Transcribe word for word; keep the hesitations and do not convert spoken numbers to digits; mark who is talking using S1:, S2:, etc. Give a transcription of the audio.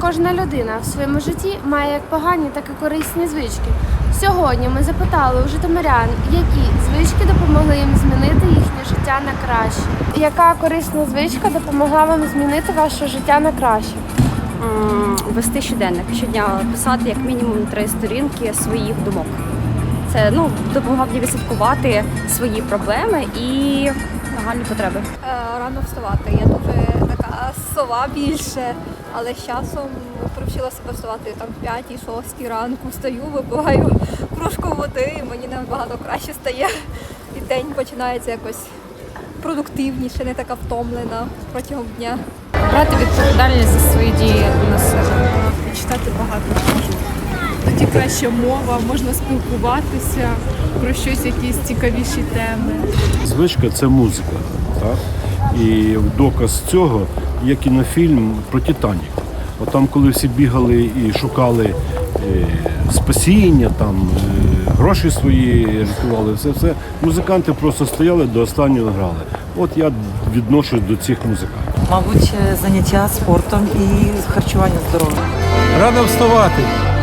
S1: Кожна людина в своєму житті має як погані, так і корисні звички. Сьогодні ми запитали у житомирян, які звички допомогли їм змінити їхнє життя на краще. Яка корисна звичка допомогла вам змінити ваше життя на краще?
S2: Вести щоденник, щодня писати як мінімум три сторінки своїх думок. Це ну, допомагав мені відслідкувати свої проблеми і нагальні потреби.
S3: Рано вставати. Я дуже така сова більше, але з часом привчила себе вставати там в п'ятій-шостій ранку. Встаю, випиваю кружку води, і мені набагато краще стає. І день починається якось продуктивніше, не така втомлена протягом дня.
S4: Брати відповідальність за свої дії на себе.
S5: Читати багато книжок. Тоді краща мова, можна спілкуватися про щось, якісь цікавіші теми.
S6: Звичка – це музика. Так? І в доказ цього є кінофільм про «Титанік». От там, коли всі бігали і шукали е, спасіння, там, е, гроші свої рятували, все, все, музиканти просто стояли до останнього грали. От я відношусь до цих музикантів.
S7: Мабуть, заняття спортом і харчування здоровим.
S8: Рано вставати.